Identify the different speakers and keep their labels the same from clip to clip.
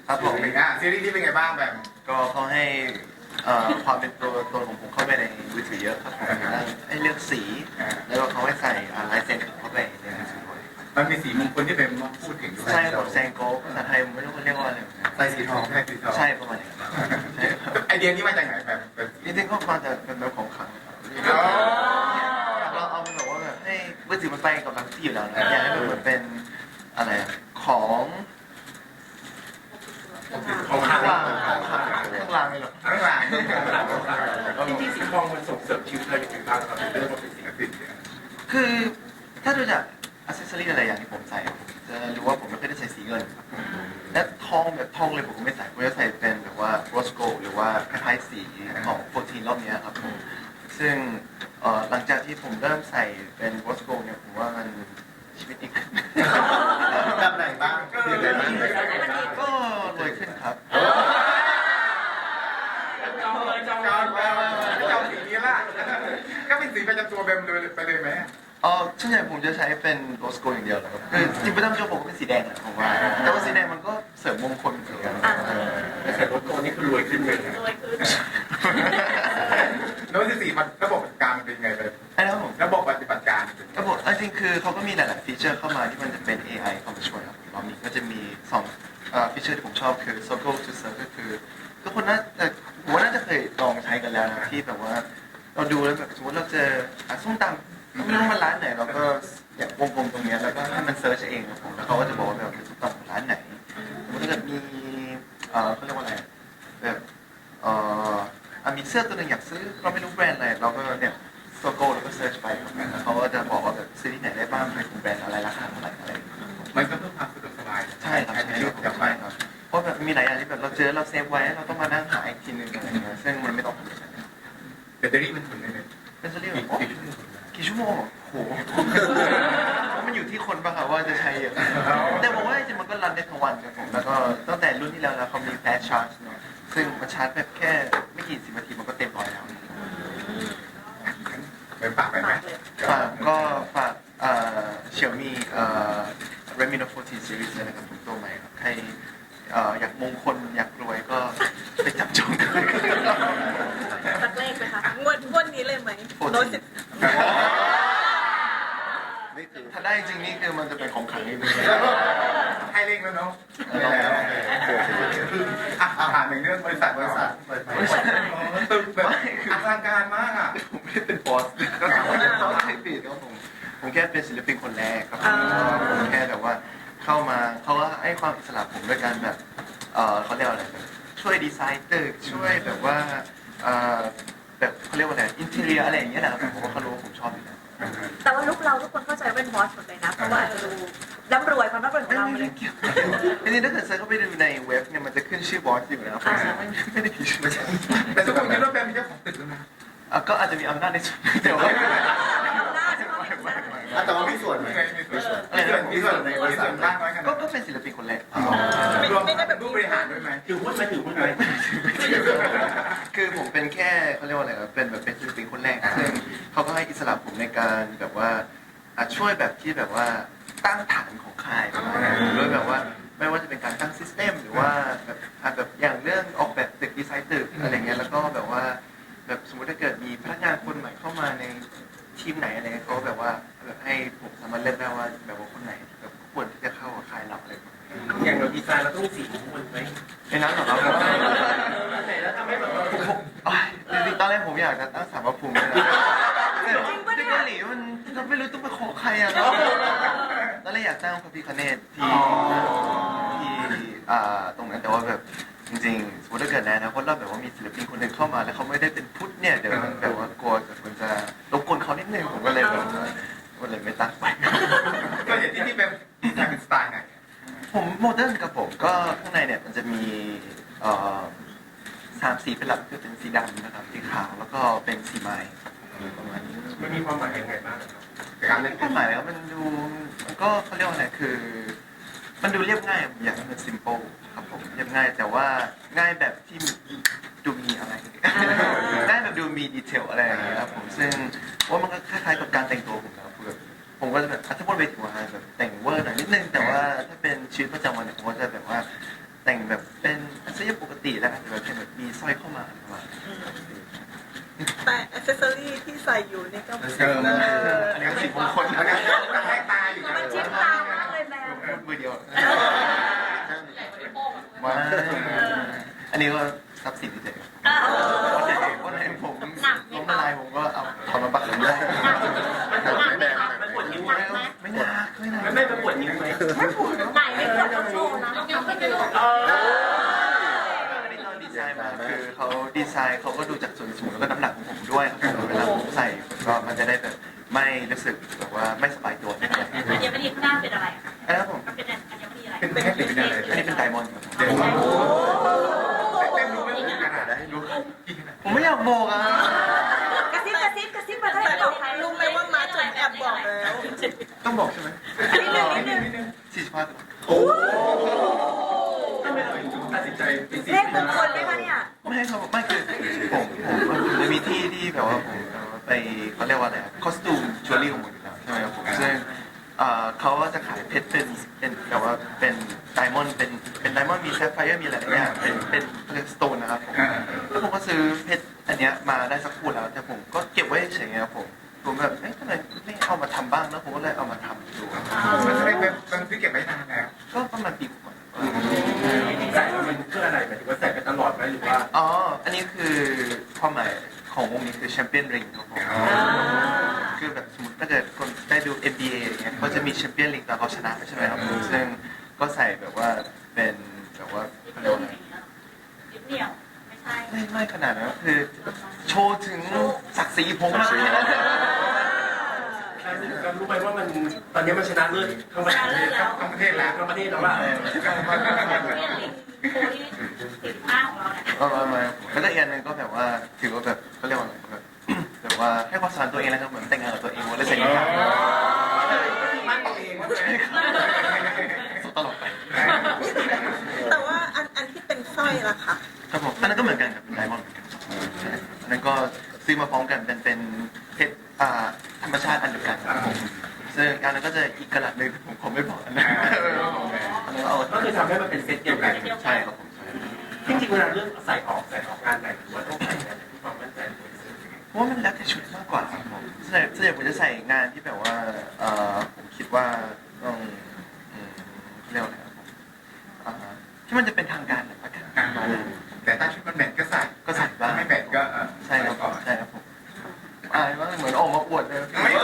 Speaker 1: ครับผม
Speaker 2: ซีรีส์ที่เป็นไงบ้างแบบ
Speaker 1: ก็เขาให้ความเป็นตัวตนของผมเข้าไปในมือถือเยอะครับผมให้เลือกสี แล้วก็เขาให้ใส่ลายเซ็นเข้าไปในมือถือด้วย
Speaker 2: มันมีสีมงคลที่เป็นมาพูดถึงด้วย
Speaker 1: ใช่ผมแซงโก้ภาษาไทยผมไม่รู้เขาเรียกว่าอะไร
Speaker 2: ใส่สีทองใช่สีทอง
Speaker 1: ใช่ประมาณนี้ใช่ครับ
Speaker 2: ไอเดียนี้มาจากไหนแบบ
Speaker 1: จริงๆก็มาจากเป็นแบบของขลังครับเราเอาแบบว่าแบบให้มือถือมันไปกับหลังที่อยู่แล้วนะอยากให้มันเหมือนเป็นอะไรของ
Speaker 2: ของ
Speaker 1: ข้า
Speaker 2: ข้าง ง
Speaker 1: ล่า
Speaker 2: ล่าง ง
Speaker 1: ของข้างล่างเลยหรอ
Speaker 2: ข้างล่าง
Speaker 3: จริงๆสีทองมันส่งเสริมชีวิตเราอย่างไรบ้างครับในเรื่องของเป็นสี
Speaker 1: คือถ้าดูจากอัซเซอรี่อะไรอย่างที่ผมใส่ผมจะรู้ว่าผมไม่เคยได้ใส่สีเงินและทองแบบทองเลยผมก็ไม่ใส่ผมจะใส่เป็นแบบว่าโรสโกหรือว่าคล้ายๆสีของ14รอบนี้ครับผมซึ่งหลังจากที่ผมเริ่มใส่เป็นโรสโกเนี่ยผมว่ามันชีวิตดีขึ้น
Speaker 2: แบบไหนบ้างก็เลยบ้าง
Speaker 1: ก็รวยขึ้นครับ
Speaker 3: จองเลยจอง
Speaker 2: จองสีนี้ละก็เป็นสีประจำตัวเบมเลยไปเลยไหม
Speaker 1: ส่วนใหญ่ผมจะใช้เป็นโรสโกอย่างเดียวเลยครับคือจริงๆประจำตัวผมก็เป็นสีแดงแหละผมว่าแต่ว่าสีแดงมันก็เสริมมงคลเหมือนกัน
Speaker 3: แต่ใส่รถโกนี่คือรวยขึ้นเลยนะ
Speaker 2: โน้ตที่สี่มันระบบปฏิบัติการมันเป็นไงเลย
Speaker 1: ไอ้นะครับผม
Speaker 2: ระบบปฏิบัติการ
Speaker 1: ระบบจริงๆคือเขาก็มีหลายๆฟีเจอร์เข้ามาที่มันจะเป็น AI เข้ามาช่วยครับรอบนี้ก็จะมี2ฟีเจอร์ที่ผมชอบคือ Circle to Serve ก็คือทุกคนผมว่าน่าจะเคยลองใช้กันแล้วนะที่แบบว่าเราดูแล้วแบบสมมติเราเจอส้มตำไม่รู้มันร้านไหนเราก็อยากวงกลมตรงเนี้ยแล้วก็ให้มันเซิร์ชเองครับผมแล้วเขาก็จะบอกว่าแบบส้มตำของร้านไหนสมมติถ้าเกิดมีเขาเรียกว่าอะไรแบบมีเสื้อตัวหนึ่งอยากซื้อเราไม่รู้แบรนด์อะไรเราก็เนี่ยโซโก้แล้วก็เซิร์ชไปครับแล้วเขาก็จะบอกว่าแบบซื้อที่ไหนได้บ้างเป็นแบรนด์อะไรราคาเท่าไหร่อะไร
Speaker 2: มันก็เพื่อความสะดวกสบาย
Speaker 1: ใช่ครับ
Speaker 2: ใช้
Speaker 1: ใช่
Speaker 2: ชีวิตประจำวัน
Speaker 1: ครับเพราะแบบมีหลายอย่างที่แบบเราเจอเราเซฟไว้เราต้องมานั่งหาอีกทีนึงอะไรเงี้ยซึ่งมันไม่ต้องทำแบบนั้น
Speaker 2: แบตเตอรี่มันทนได้เลย
Speaker 1: เป็นจะเรียกว่ากี่ชั่วโมงโหมันอยู่ที่คนป่ะครับว่าจะใช้เยอะแต่ผมว่าจริงๆมันก็รันได้ทั้งวันครับผมแล้วก็ตั้งแต่รุ่นที่แล้วนะเขามี fast charge เนาะซึ่งมันชาร์จแบบแค่ไม่กี่10นาทีมันก็เต็มร้อยแล้ว
Speaker 2: เป็นปากไปไหม
Speaker 1: ก็ฝากเสี่ยวมี่Redmi Note 14 Series เลยนะครับผมตัวใหม่ครับใครอยากมงคลอยากรวยก็ไปจับจองกันเลย
Speaker 4: สักเลขไหมคะงวดนี้เลยไหมโน้ตสิบ
Speaker 1: ถ้าได้จริงนี่คือมันจะเป็นของขลังนี่เลย
Speaker 2: ให้เร่งแล้วเนาะผ่านหนึ่งเรื่องบริษัทตึกแบบอลังการมากอ่ะ
Speaker 1: ผมไม่ได้เป็นบอสก็เขาใช้ปีดครับผมแค่เป็นศิลปินคนแรกครับผมแค่แบบว่าเข้ามาเขาก็ให้ความอิสระผมด้วยการแบบเขาเรียกว่าอะไรช่วยดีไซน์ตึกช่วยแบบว่าแบบเขาเรียกว่าอะไรอินเทเรียอะไรอย่างเงี้ยนะครับผมว่าเขารู้ว่าผมชอบอยู่แล้ว
Speaker 4: แต่ว่าลุกเราทุกคนเข้าใจว่าเป็นบอสหมดเลยนะ เพราะว่าดูร่ำรวยความร่ำรวยของเรา
Speaker 1: ไม่
Speaker 4: เล
Speaker 1: ได้
Speaker 4: ย
Speaker 1: เกี่ยวจริงๆถ้าเกิดเซิร์ชเข้าไปดูในเว็บเนี่ยมันจะขึ้นชื่อบอสอยู่แล้วไม่ได้ผิดชื่อ
Speaker 2: แต่ทุกคนคิดว่าแบมเป็นเจ้าของตึกแล้วนะ
Speaker 1: ก็อาจจะมีอำนาจในส่วนแต่ว่า
Speaker 2: แต่ว่ามีส่วนไหมมีส่วนในบริษัทบ้างไหม
Speaker 1: ก็เป็นศิลปินคนแรก
Speaker 2: รวมแบบผู้บริหารด้วยไหม
Speaker 3: ถือหุ้นไหมถือหุ้นไหม
Speaker 1: คือผมเป็นแค่เขาเรียกว่าอะไรครับเป็นแบบเป็นศิลปินคนแรกซึ่งเขาก็ให้อิสระผมในการแบบว่าช่วยแบบที่แบบว่าตั้งฐานของค่ายด้วยแบบว่าไม่ว่าจะเป็นการตั้งซิสเต็มหรือว่าแบบอย่างเรื่องออกแบบตึกดีไซน์ตึกอะไรเงี้ยแล้วก็แบบว่าแบบสมมติถ้าเกิดมีพนักงานคนใหม่เข้ามาในทีมไหนอะไรเขาแบบว่าแบบให้ผมสามารถเลือกได้ว่าแบบว่าคนไหนแบบควรที่จะเข้ากับค่ายเราอะไร
Speaker 3: อย่างเราดีไซน์เราต้องมีสีมงคลไหม
Speaker 1: ในนั้นเหรอครับ
Speaker 3: ไหนแล้วทำให้แบบว่า
Speaker 1: จริงๆตอนแรกผมอยากจะตั้งสารพระภูมิเลยที่เกาหลีมันเราไม่รู้ต้องไปขอใครอ่ะเนาะตอนแรกอยากตั้งพระพิฆเนศที่ตรงนั้นแต่ว่าแบบจริงๆสมมติถ้าเกิดนะเพราะเราแบบว่ามีศิลปินคนหนึ่งเข้ามาแล้วเขาไม่ได้เป็นพุทธเนี่ยเดี๋ยวมันแบบว่ากลัวมันจะรบกวนเขานิดนึงผมก็เลยแบบก็เลยไม่ตั้งไป
Speaker 2: ก็อย่างที่แบบเป็นสไตล์ไหน
Speaker 1: ผมโมเดิร์นกับผมก็ข้างในเนี่ยมันจะมี3 สีเป็นหลักคือเป็นสีดำนะครับสีขาวแล้วก็เป็นสีไม้ประมาณนี้
Speaker 3: มันมีความหมายยังไงบ้าง
Speaker 2: การเล่น
Speaker 1: ความหมายแล้วมันดูมันก็เขาเรียกว่าอะไรคือ มันดูเรียบง่ายผมอยากให้มัน simple ครับผมเรียบง่ายแต่ว่าง่ายแบบที่ดูมีอะไร ง่ายแบบดูมีดีเทลอะไรอย่างเงี้ยครับผมซึ่งว่ามันก็คล้ายๆกับการแต่งตัวผมนะครับคือผมก็จะแบบถ้าพูดไปถึงว่าแบบแต่งเวอร์หน่อยนิดนึงแต่ว่าถ้าเป็นชีวิตประจำวันเนี่ยผมก็จะแบบว่าแต่งแบบเเสื้อยืดปกติแล้วอาจจะแบบแค่แบบมีสร้อยเข้ามาประมาณนี้
Speaker 5: แต่อ c เซสซอรี่ที่ใส่อยู่นี่ก็
Speaker 1: อันนี้ก็สีมงคล
Speaker 2: อันนี้ก็ให้ตาอยู่
Speaker 4: มันจิ้มตามากเลยแมว
Speaker 1: มือเดียวมาอันนี้ก็ทรัพย์สินที่เจ๋งวันไหนผมล้มละลายผมก็เอาถอนมาปักหลังได้
Speaker 3: มันปวดนิ้วไหม
Speaker 1: ไม่หนักไม่หนัก
Speaker 3: ไม่ปวดนิ้วไหม
Speaker 4: ไม่ปวดไหนไม่ปวดเราโชว์นะทำให้ดู
Speaker 1: อันนี้ตอนดีไซน์มาคือเขาดีไซน์เขาก็ดูจากส่วนสูงแล้วก็น้ำหนักของผมด้วยครับเวลาผมใส่ก็มันจะได้แบบไม่รู้สึกแบบว่าไม่สบายตัวไม่อะไร
Speaker 6: อัญมณีข้างหน้าเป็นอะไรคะ
Speaker 1: นะครับผม
Speaker 6: มันเป็นอัญมณีอะไร
Speaker 2: เป็นแค่ติดเป็นอะไร
Speaker 1: อันนี้เป็นไดมอนด์ครับ
Speaker 2: เดี๋ยวเต็มรู้ไหมขนาดได้รู้
Speaker 1: ผมไม่อยากบอกอ่ะ
Speaker 4: กระซิบกระซิบกระซิบมาได้บอกใคร
Speaker 5: รู้ไหมว่ามาจนแอบบอกแล้ว
Speaker 1: ต้องบอกใช่ไหม
Speaker 4: นิดนึง
Speaker 1: 45
Speaker 2: โอ้
Speaker 3: ทำไมเราถึงตัดสินใจเป็นสี
Speaker 4: เลขมงคลไหมคะเนี่ย
Speaker 1: ไม่ให้เขาไม่คือผมจะมีที่ที่แบบว่าผมไปเขาเรียกว่าอะไรคอสตูมจิวเวลรี่ของผมอยู่แล้วใช่ไหมครับผมซึ่งเขาก็จะขายเพชรเป็นแบบว่าเป็นไดมอนด์เป็นไดมอนด์มีแซฟไฟร์มีอะไรอย่างเงี้ยเป็นสโตนนะครับผมแล้วผมก็ซื้อเพชรอันเนี้ยมาได้สักคู่แล้วแต่ผมก็เก็บไว้เฉยๆครับผมแบบเอ๊ะทำไมไม่เอามาทำบ้างแล้วผมก็เลยเอามาทำดู
Speaker 2: มันจะได้เป็นที่เก็บไว้นานแล้ว
Speaker 1: ก็ประมาณปีกว่า
Speaker 3: ใส่แล้วมันเพื่ออะไรหมายถึงว่าใส่ไปตลอดไหมหรือว่า
Speaker 1: อ๋ออันนี้คือความหมายของวงนี้คือแชมเปี้ยนริงครับผมคือแบบสมมติถ้าเกิดคนได้ดู NBA อย่างเงี้ยเขาจะมีแชมเปี้ยนริงตอนเขาชนะใช่ไหมครับซึ่งก็ใส่แบบว่าเป็นแบบว่าเขาเรียกว่าอะไร
Speaker 6: ยึดเหนี่ยวไม่ใช่
Speaker 1: ไม่ขนาดนั้นคือโชว์ถึงศักดิ์ศรีผมมากเลยนะ
Speaker 3: เรารู้ไหมว่ามันตอนนี้มันชนะเลิศทั้งประเทศ
Speaker 2: ทั้งประเทศแล้ว
Speaker 3: ทั้งประเทศแล้วว่า
Speaker 6: เรียนลิงโคที่45ของเราเนี่ย
Speaker 1: มาแล้วก็อีกอันหนึงก็แบบว่าถือว่าแบบเขาเรียกว่าอะไรแบบว่าให้ความสำคัญตัวเองแล้วครับเหมือนแต่งงานกับตัวเองวันละเซ็นกัน
Speaker 2: มันตัวเองว่า
Speaker 1: สุดตลกไป
Speaker 5: แต่ว่าอันที่เป็นสร้อยล่ะคะ
Speaker 1: ครับผมอันนั้นก็เหมือนกันครับเป็นไดมอนด์เหมือนกันอันนั้นก็ซื้อมาพร้อมกันเป็นเพชรธรรมชาติอันเดียวกันครับผมซึ่งอันนั้นก็จะอีกกระดับหนึ่งผมคงไม่บอกอันนั้นอันนั้นเอา
Speaker 3: ก็คือทำให้มันเป็นเซตเดียวกัน
Speaker 1: ใช่ครับผม
Speaker 3: จริงๆเวลาเลือกใส่ออกงานไหนหรือว่าต้องใส่งานไหนที่ความมั่นใจ
Speaker 1: เพราะว่ามันแล้วแต่ชุดมากกว่าครับผมส่วนใหญ่ผมจะใส่งานที่แบบว่าผมคิดว่าต้องเรียกว่าอะไรครับผมที่มันจะเป็นทางการหน่อยละกันมาเลย
Speaker 2: แต่ถ้าชุดมันแมทก็ใส่
Speaker 1: ก็ใส่บ้าง
Speaker 2: ไม่แมทก็
Speaker 1: ใช่ครับใช่ครับผมอายว่าเหมือนออกมาอวดเลย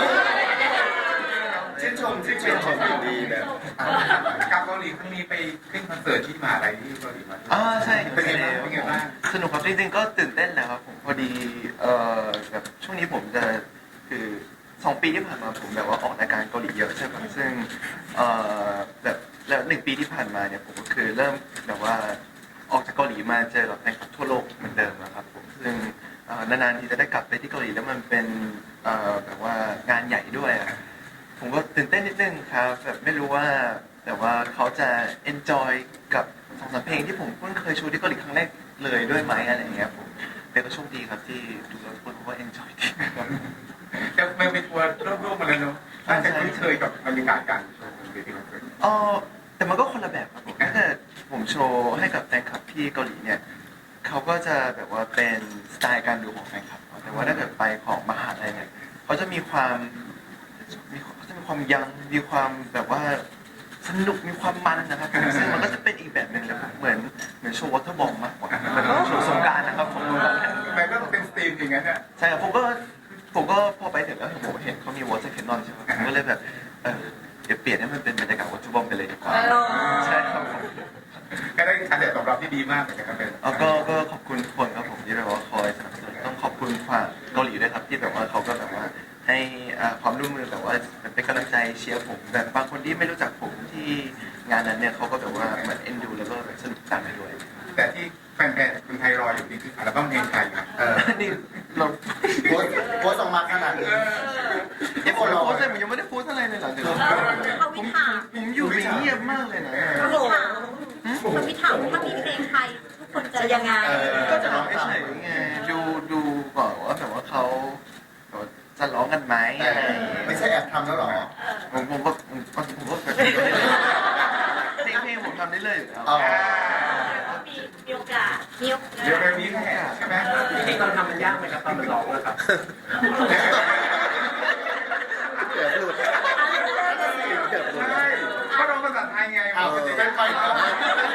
Speaker 2: ชื่นชมดีแบบกับเกาหลีครั้งนี้ไปขึ้นคอนเสิร์ตที่มหาลัยที่เกาหลีมา
Speaker 1: ใช่
Speaker 2: เป็นไงบ้าง
Speaker 1: สนุกครับจริงๆก็ตื่นเต้นแหละครับผมพอดีแบบช่วงนี้ผมจะคือ2 ปีที่ผ่านมาผมแบบว่าออกรายการเกาหลีเยอะใช่ไหมซึ่งแบบแล้ว1 ปีที่ผ่านมาเนี่ยผมก็คือเริ่มแบบว่าออกจากเกาหลีมาเจอกับแฟนคลับทั่วโลกเหมือนเดิมนะครับผมซึ่งนานๆที่จะได้กลับไปที่เกาหลีแล้วมันเป็นแบบว่างานใหญ่ด้วยผมก็ตื่นเต้นนิดนึงครับแบบไม่รู้ว่าแต่ว่าเขาจะ enjoy กับ2-3 เพลงที่ผมเพิ่งเคยโชว์ที่เกาหลีครั้งแรกเลยด้วยไหมอะไรอย่างเงี้ยผมแต่ก็โชคดีครับที่ดูแล้วคนเขาก็ enjoy ดีครับ
Speaker 2: จะไม่ไปทัวร์ร่วมๆมาแล้วเนาะน่าจะคุ้นเคยกับบรรยากาศการโชว์ของเวทีคอนเสิร์ต
Speaker 1: แต่มันก็คนละแบบครับผมถ้าเกิดผมโชว์ให้กับแฟนคลับที่เกาหลีเนี่ยเขาก็จะแบบว่าเป็นสไตล์การดูของแฟนคลับแต่ว่าถ้าเกิดไปของมหาลัยเนี่ยเขาจะมีความยังมีความแบบว่าสนุกมีความมันนะครับผมซึ่งมันก็จะเป็นอีกแบบหนึ่งเลยเหมือนโชว์วอเตอร์บอมมากกว่าเหมือนโชว์สงกรานต์นะครับผม
Speaker 2: มันก็เป็นสตรีมอย่างนั้นอ่ะ
Speaker 1: ใช่ครับผมก็พอไปถึงแล้วผมเห็นเขามีวอเตอร์แคนนอนใช่ไหมผมก็เลยแบบเดี๋ยวเปลี่ยนให้มันเป็นบรรยากาศวอเตอร์บอมไปเลยดีกว่าใช่ครับผม
Speaker 2: ก็ได้การตอบรับที่ดีมากเหมือนกันครับเป็น
Speaker 1: ก็ขอบคุณทุกคนครับผมที่แบบว่าคอยสนับสนุนต้องขอบคุณฝ่ายเกาหลีด้วยครับที่แบบว่าเขาก็แบบว่าให้ความร่วมมือแบบว่าเป็นกำลังใจเชียร์ผมแบบบางคนที่ไม่รู้จักผมที่งานนั้นเนี่ยเขาก็แบบว่าเหมือนเอ็นดูแล้วก็สนุกตามไปด้วย
Speaker 2: แต่ที่แฟนๆคุณไทยรออยู่นี่คืออัลบั้มเพลงไทยนะ
Speaker 1: นี่เรา
Speaker 7: โพสต์ออกมาขนาดนี้
Speaker 1: ผมโพสต์อะไรผมยังไม่ได้โพสต์อะไรเลยเหรอเดี๋ยว
Speaker 4: เขาวิถาม
Speaker 1: ผมอยู่เงียบมากเลยนะ
Speaker 4: เขาวิถามเขาวิถามว่าถ้ามีเพลงไทยทุกคนจะยังไง
Speaker 1: ก็จะร้องเฉยๆไงดูก่อนว่าแบบว่าเขาจะร้องกันไหมอะไรอย่างเงี้ย
Speaker 7: ไม่ใช่แอบทำแล้วหรอ
Speaker 1: ผมก็เพลงผมทำได้เลยอยู่แล้ว
Speaker 6: มีโอก
Speaker 4: นิ้ว
Speaker 2: เดี๋ยวแบบนี้แหละใช่ไหม
Speaker 3: จริงๆตอนทำมันยากไหมครับตอนมันร้องนะครับ
Speaker 7: เกือบหลุดเกือบหลุด
Speaker 2: ใช่ก็ร้องภาษาไทยไง
Speaker 7: เอา
Speaker 2: ปกติ
Speaker 7: เป็
Speaker 2: เป็น น
Speaker 7: ไฟ
Speaker 2: ไฟ
Speaker 7: ครับ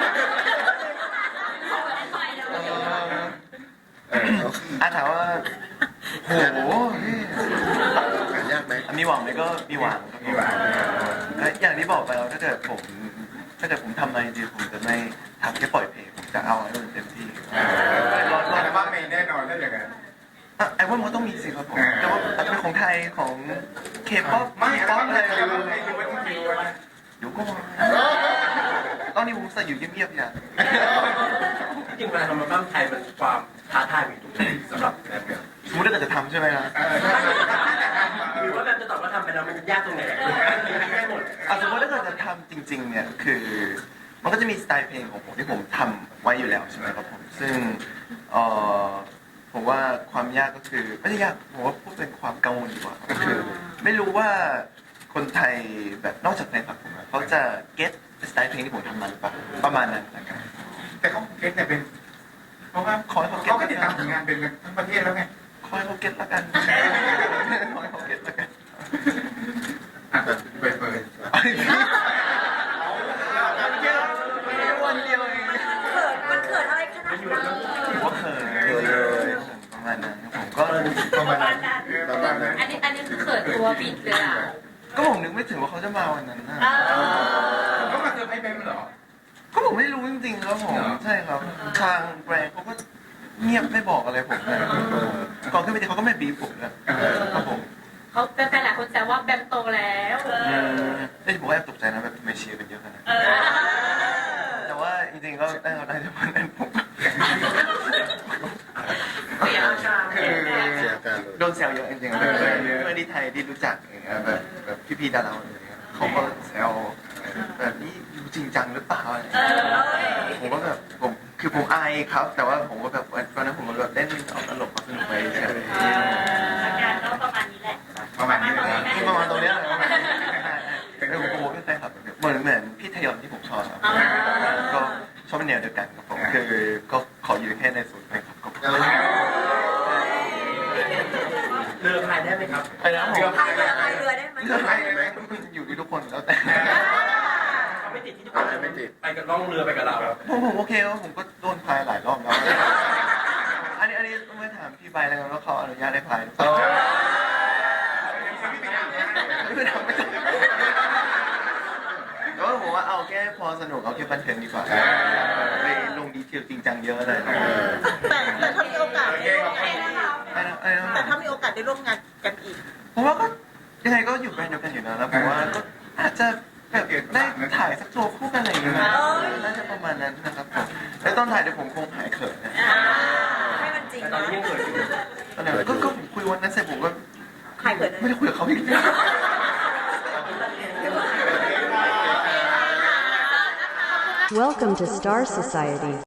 Speaker 1: ถามว่าโหพี่
Speaker 7: ยากไหม
Speaker 1: มีหวังไหมก็มีหวังครับผม
Speaker 2: มีหวัง
Speaker 1: และอย่างที่บอกไปแล้วถ้าเกิดผมทำอะไรจริงๆผมจะไม่ทำแค่ปล่อยเพลงผมจะเอาให้มันเต็มที่
Speaker 2: รอแต่ว่าไม่แน่นอนถ้าอย่างนั้น
Speaker 1: ไอ้ว่ามันต้องมีสิครับผมแต่ว่าอาจจะเป็นของไทยของเคป๊อป
Speaker 2: ไม่อะไร
Speaker 1: ป๊อป
Speaker 2: บ้าง
Speaker 1: อะไร
Speaker 2: อะไรบ้างใครรู้ว่าต้องรู้ว่า
Speaker 1: เดี๋ยวก็มาตอนนี้ผมใส่อยู่เงียบๆอย่าง
Speaker 3: จริงๆเวลาทำมันบ้างไทยมันความท้าทายอยู่ตรงไหนสำหรับแบบเนี้ย
Speaker 1: สมมติถ้าเกิดจะทำใช่ไหมครับ
Speaker 3: หรือว่าแบบจะตอบว่าทำไปแล้วมันยากตรงไหนไม่หมด
Speaker 1: สมมติถ้าเกิดจะทำจริงๆเนี่ยคือมันก็จะมีสไตล์เพลงของผมที่ผมทำไว้อยู่แล้วใช่ไหมครับผมซึ่งผมว่าความยากก็คือไม่ใช่ยากผมว่าพูดเป็นความกังวลดีกว่าก็คือ ไม่รู้ว่าคนไทยแบบนอกจากแฟนคลับผมอะเขาจะเก็ตสไตล์เพลงที่ผมทำมาหรือเปล่าประมาณนั้นนะครับ
Speaker 2: แต่เขาเก็ตแต่เป็นเพราะว่าเขาก็ติดตามผลงานเป็นทั้งประเทศแล้วไง
Speaker 1: คอยเขาเก็ตละกันคอยเขาเก็ตละกัน
Speaker 2: เปิด
Speaker 1: วันเดียวเอง
Speaker 4: มันเขินอะไรขนาดนั้น
Speaker 1: ถือว่าเขินเลยประมาณนั้นผมก็
Speaker 7: ประมาณนั้นประมาณนั้น
Speaker 6: อันนี้คือเขินตัวบิดเลยอ่ะ
Speaker 1: ก็ผมนึกไม่ถึงว่าเขาจะมาวันนั้นนะ
Speaker 2: เขามาเซอร์ไพรส์เป็นเหรอ
Speaker 1: ก็ผมไม่รู้จริงๆครับผมใช่ครับทางแบรนด์เขาก็เงียบไม่บอกอะไรผมเลยก่อนขึ้นไปเขาก็ไม่บีบผมนะครับผม
Speaker 6: เขาเป็นแฟนหลายคนแซวว่าแบมโตแล้ว
Speaker 1: แต่ผมก็แอบตกใจนะแบบทำไมเชียร์กันเยอะขนาดนั้นแต่ว่าจริงๆก็ได้เราได้จากวันนั้นผม
Speaker 6: เสียอาการ
Speaker 7: เสียการเลย
Speaker 1: โดนแซวเยอะจริงๆเพื่อนที่ไทยที่รู้จักอย่างเงี้ยแบบพี่ๆดาราอะไรเงี้ยเขาก็แซวแบบนี้อยู่จริงจังหรือเปล่าผมก็แบบผมอายครับ แต่ว่าผมก็แบบตอนนั้นผมก็แบบเล่นเอาตลกมาสนุกไปเฉย
Speaker 6: อาการก็ประมาณนี้แหละ
Speaker 2: ประมาณนี้เลยนะ
Speaker 1: ประมาณตรงเนี้ยเลยเป็นผมก็ไม่ใช่ครับเหมือนพี่ทยอนที่ผมชอบครับก็ชอบเป็นแนวเดียวกันครับผมคือก็ขออยู่แค่ในศูนย์เพลงครับ
Speaker 3: เรือพายได้ไหมครับ
Speaker 1: ไปแล้วผม
Speaker 4: พายเรือได้ไหม
Speaker 1: เลือกใครไหมอยู่ที่ทุกคนแล้วแต่
Speaker 3: เขาไม่ติดที่ทุกคนไปกับล่องเรือไปกับเรา
Speaker 1: ผมโอเคครับผมก็โดนพายหลายรอบแล้วอันนี้ต้องไปถามพี่ใบแล้วกันว่าเขาอนุญาตให้พายหรือเปล่าไม่ทำแล้วผมว่าเอาแค่พอสนุกเอาแค่บันเทิงดีกว่าไปลงดีเทลจริงจังเยอะเลย
Speaker 5: แต่ถ้ามีโอกาสได้ร่วมงาน แต่ถ้ามีโอกาสได้ร่วมงานกันอีก
Speaker 1: ผมว่าก็ยังไงก็อยู่แบรนด์เดียวกันอยู่แล้วผมว่าก็อาจจะแบบได้ถ่ายสักโชว์คู่กันอะไรอย่างเงี้ยน่าจะประมาณนั้นนะครับผมแล้วตอนถ่ายเดี๋ยวผมคงหายเขินนะ
Speaker 4: ให้มันจริง
Speaker 3: ตอน
Speaker 4: นะ
Speaker 3: นี้ยังเกิดอยู่
Speaker 1: ตอนนั้นก็ผมคุยวันนั้นเสร็จผมก็
Speaker 4: ใครเขิน
Speaker 1: ไม่ได้คุยกับเขาอีกเลย
Speaker 8: Welcome to Star Society.